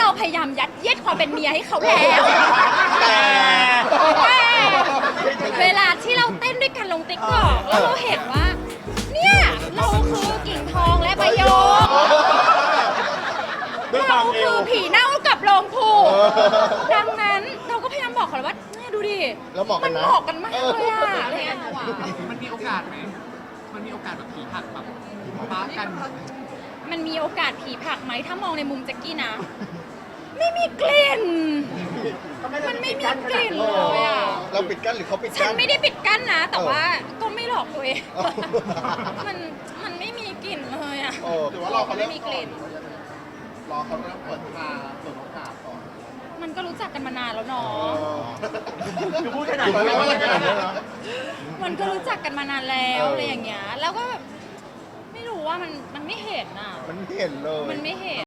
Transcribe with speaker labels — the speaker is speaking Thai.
Speaker 1: พยายามยัดเยียดความเป็นเมียให้เขาแล้ว แต่เวลาที่เราเต้นด้วยกันลงติ๊กต็อกแล้วเราเห็นว่า เนี่ยเราคือกิ่งทองและใบโยกเราคือผีเน่ากับโลงผูดังนั้นเราก็พยายามบอกเขาเลยว่าเนี่ยดูดิ
Speaker 2: แล้วเหมาะกั
Speaker 1: มัน น
Speaker 2: นะ
Speaker 1: เหมาะกันมากเลยอะอะไรอย่างเงี้ย
Speaker 3: มันมีโอกาสไหมมันมีโอกาสแบบผีหักแบบป้ากัน
Speaker 1: มันมีโอกาสผีผลักไหมถ้ามองในมุมแจ็กกี้นะ ไม่มีกลิ่น มันไม่มีกลิ่นเลยอ่ะ
Speaker 2: เราปิดกั้นหรือเขาปิด
Speaker 1: ฉั
Speaker 2: กั้
Speaker 1: น
Speaker 2: น
Speaker 1: ไม่ได้ปิดกั้นนะ แต่ว่าก็ไม่หลอกตัวเอง มันมันไม่มีกลิ่นเลยอ่ะ
Speaker 2: หรือว่ารอเขา
Speaker 1: ไม่มีกลิ่น
Speaker 2: รอเขาเริ่มเปิดมาเปิดโอกาสก่อน
Speaker 1: มันก็รู้จักกันมานานแล้วเนาะ
Speaker 2: คือพูดขนาดนี้ว่าขนาดนี้นะ
Speaker 1: มันก็รู้จักกันมานานแล้วอะไรอย่างเงี้ย แล้วก็แบบไม่รู้ว่ามันไม่เห็นอ่ะ
Speaker 2: มันไม่เห็นเลย
Speaker 1: มันไม่เห็น